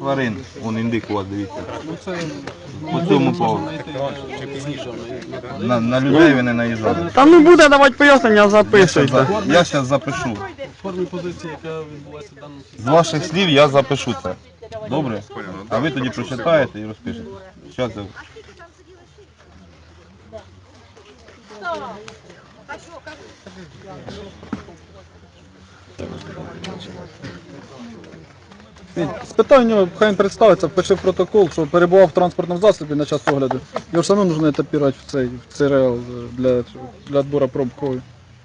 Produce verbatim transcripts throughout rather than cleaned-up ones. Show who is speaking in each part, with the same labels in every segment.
Speaker 1: тварин. Вон індик у вас, дивіться. По цьому поводу. На, на людей ви не наїжджали.
Speaker 2: Та ну буде давати пояснення, записуйте.
Speaker 1: Я зараз запишу.
Speaker 3: Формі позиції, яка відбулася в даному
Speaker 1: З ваших слів я запишу це. Добре? А ви тоді прочитаєте і розпишете. Щас я...
Speaker 3: Спитай у нього, хай він представиться, впиши в протокол, що перебував в транспортному засобі на час огляду. Його ж все одно потрібно етапірувати в цей, в цей реал для, для відбору проб крові.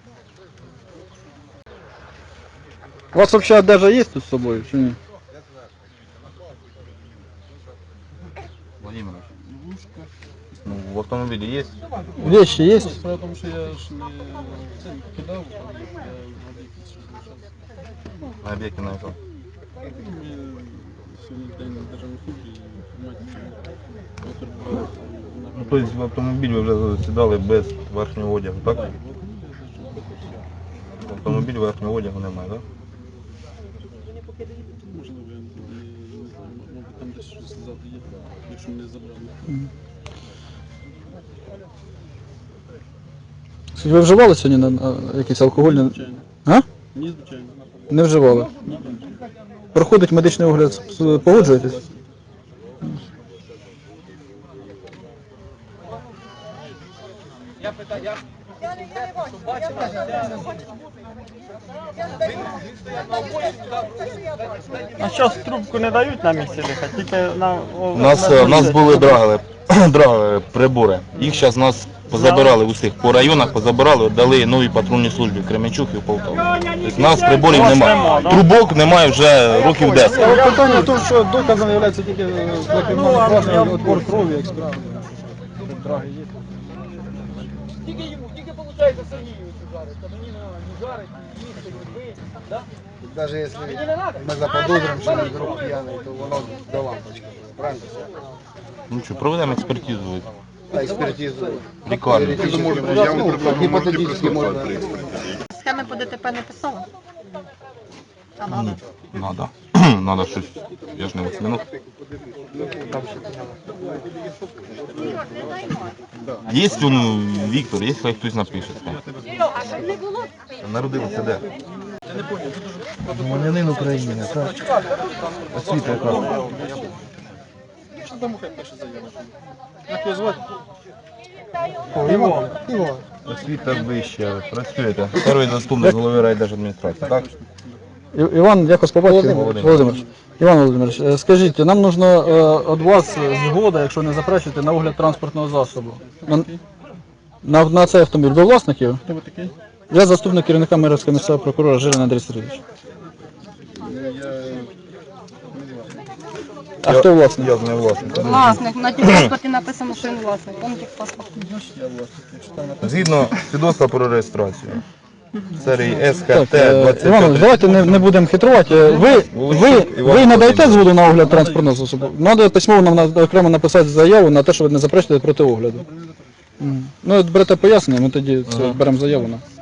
Speaker 3: У вас взагалі одежа є тут з собою, чи ні?
Speaker 1: Владимир, ну, в автомобілі є?
Speaker 3: Вещи є?
Speaker 4: Справа в тому, що я ж не це не покидав, я на об'єкті залишався.
Speaker 1: На об'єкті на якому?
Speaker 4: Ми сьогодні день на державній службі і інформацію перебуваю.
Speaker 1: Ну, тобто в автомобіль ви вже сідали без верхнього одягу, так? В автомобіль верхнього одягу немає, так?
Speaker 4: Можливо, я не, не знаю, мабуть там десь щось ззаду є, якщо мене забрали.
Speaker 3: Ви вживали сьогодні на, на якісь алкогольні?
Speaker 4: Звичайно.
Speaker 3: А?
Speaker 4: Ні, звичайно.
Speaker 3: Не вживали?
Speaker 4: Ні.
Speaker 3: Проходить медичний огляд, погоджуєтесь?
Speaker 2: А зараз трубку не дають на місці дихати, тільки на...
Speaker 1: У нас, у нас були драгали, драгали прибори. Їх зараз нас позабирали усіх. По районах позабирали, дали новій патрульній службі в Кременчук і в Полтаві. Тобто у нас приборів немає. Трубок немає вже років десять.
Speaker 3: Але питання в тому, що доказом є тільки для кримінального провадження відбор крові, як справа. Драги є.
Speaker 5: Тільки йому, тільки виходить Сергійовичу жарить, а мені не жарить, їсти, не бить, да?
Speaker 6: Даже если мы заподозрим, что он вдруг пьяный, то воно до лампочки. Правильно?
Speaker 1: Ну що, проведемо експертизу.
Speaker 6: А экспертизу.
Speaker 1: Лікарню.
Speaker 6: Гипотетически можно.
Speaker 7: Схеми по ДТП не писала? А надо?
Speaker 1: Надо. Надо щось. Я ж не восьминог. Є ну, Віктор, є хай хтось напише. Народилися де?
Speaker 6: Громадянин України, так?
Speaker 1: Освіта яка?
Speaker 4: Що там хай пише заяву? Як його звати?
Speaker 3: Іван.
Speaker 1: Освіта вища. Працюєте. Перший заступник голови райдержадміністрації, так?
Speaker 3: І- Іван, якось по батькові?
Speaker 1: Володимир.
Speaker 3: Володимир. Іван Володимирович, е, скажіть, нам потрібно від вас згода, якщо не заперечуєте, на огляд транспортного засобу. На, на, на цей автомобіль. Ви власник його?
Speaker 4: Хто ви такий?
Speaker 3: Я заступник керівника Мирівського місцевого прокурора Жилин Андрій Сергійович. А хто власник?
Speaker 1: Я з нею власник.
Speaker 7: Власник, на техпаспорті написано, що він власник. Он техпаспорт.
Speaker 1: Згідно свідоцтва про реєстрацію. Серії С Х
Speaker 3: Так,
Speaker 1: Т
Speaker 3: е,
Speaker 1: двадцять
Speaker 3: Іван, Володимирович, давайте не, не будемо хитрувати. Е, Ви, ви, ви надаєте згоду на огляд транспортного засобу? Треба письмово нам на- окремо написати заяву на те, що ви не заперечуєте проти огляду. Мгм. Ну, от берете пояснення, ми тоді це, беремо заяву на.